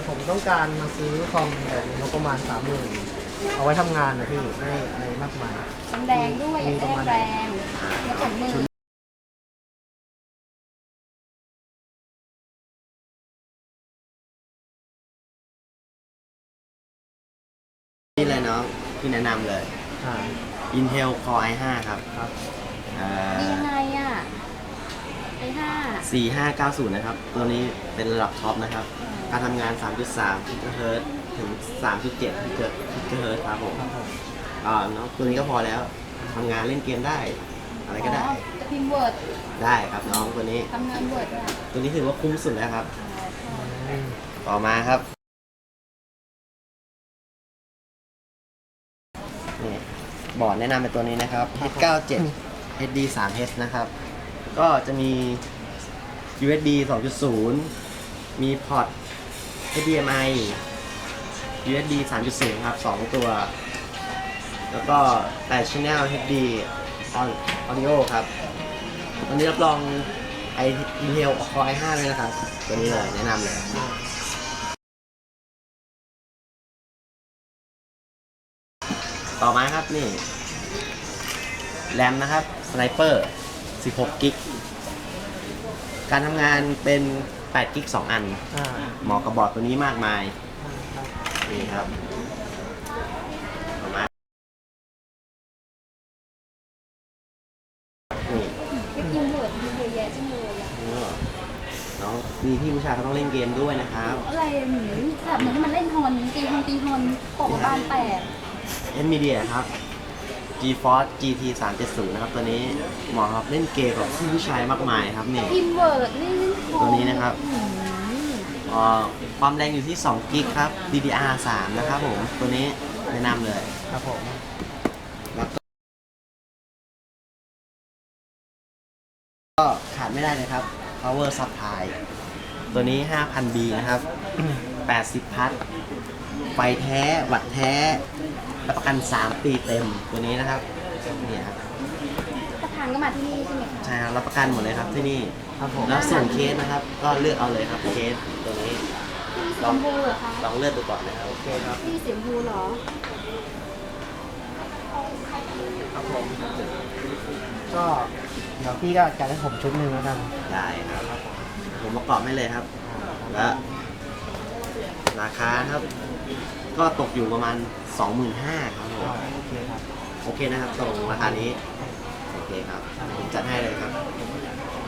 ผมต้องการมาซื้อคอมแบบงบประมาณ30,000เอาไว้ทำงานนะพี่ไม่อะไรมากมายแรงด้วยอยากได้แรงแล้วของมือนี่เลยน้องที่แนะนำเลยอ่า Intel Core i5 ครับครับดียังไงอ่ะไอ้ 4590นะครับตัวนี้เป็นระดับท็อปนะครับการทำงาน 3.3 GHz ถึง 3.7 GHz ครับผมครับผมน้องตัวนี้ก็พอแล้วทำงานเล่นเกมได้อะไรก็ได้จะพิมพ์เวิร์ดได้ครับน้องตัวนี้ทำงานเวิร์ดได้ตัวนี้ถือว่าคุ้มสุดแล้วครับอืมต่อมาครับนี่บอร์ดแนะนำเป็นตัวนี้นะครับ H97 HD 3H นะครับ ก็จะมี USB 2.0 มีพอร์ต HDMI USB 3.0 ครับ 2 ตัว แล้วก็8 Channel HD Audio ครับ ตัวนี้รับรอง Intel Core i5 เลยนะครับ ตัวนี้เลยแนะนำเลย ต่อมาครับนี่แรมนะครับ Sniper 16 กิกการทำงานเป็น8 กิก 2 อันอ่าเหมาะกับบอร์ดตัวนี้มากมายครับนี่ครับต่อมานี่พิมพ์เวิร์ดมีเยอะแยะจังเลยอ่ะน้องมีพี่ผู้ชายเขาต้องเล่นเกมด้วยนะครับอะไรเหมือนแบบเหมือนที่มันเล่นฮอนตีฮอนตกบานแตก NVIDIA ครับ GeForce GT 370นะครับตัวนี้เหมาะครับเล่นเกมกับพี่ผู้ชายมากมายครับนี่พิมพ์เวิร์ดนี่ตัวนี้นะครับ ความแรงอยู่ที่2 กิกครับ DDR3 นะครับผมตัวนี้แนะนำเลยครับผมแล้วก็ขาดไม่ได้เลยครับ power supply ตัวนี้ 5,000B นะครับ 80 พัทไฟแท้ วัตต์แท้รับประกัน 3 ปีเต็มตัวนี้นะครับนี่ครับประธานก็มาที่นี่ใช่ไหมคะใช่ครับรับประกันหมดเลยครับที่นี่ครับผมแล้วส่วนเคสนะครับ ก็เลือกเอาเลยครับเคสตัวนี้ที่สีชมพูเหรอคะลองเลือกดูก่อนนะครับโอเคครับที่สีชมพูเหรอครับผมก็เดี๋ยวพี่ก็จัดให้ผมชุดหนึ่งแล้วกันได้ครับ ผมประกอบให้เลยครับ และราคาครับ ก็ตกอยู่ประมาณ 25,000ครับผมโอเคครับโอเคนะครับตรงราคานี้ โอเคครับ ผมจัดให้เลยครับ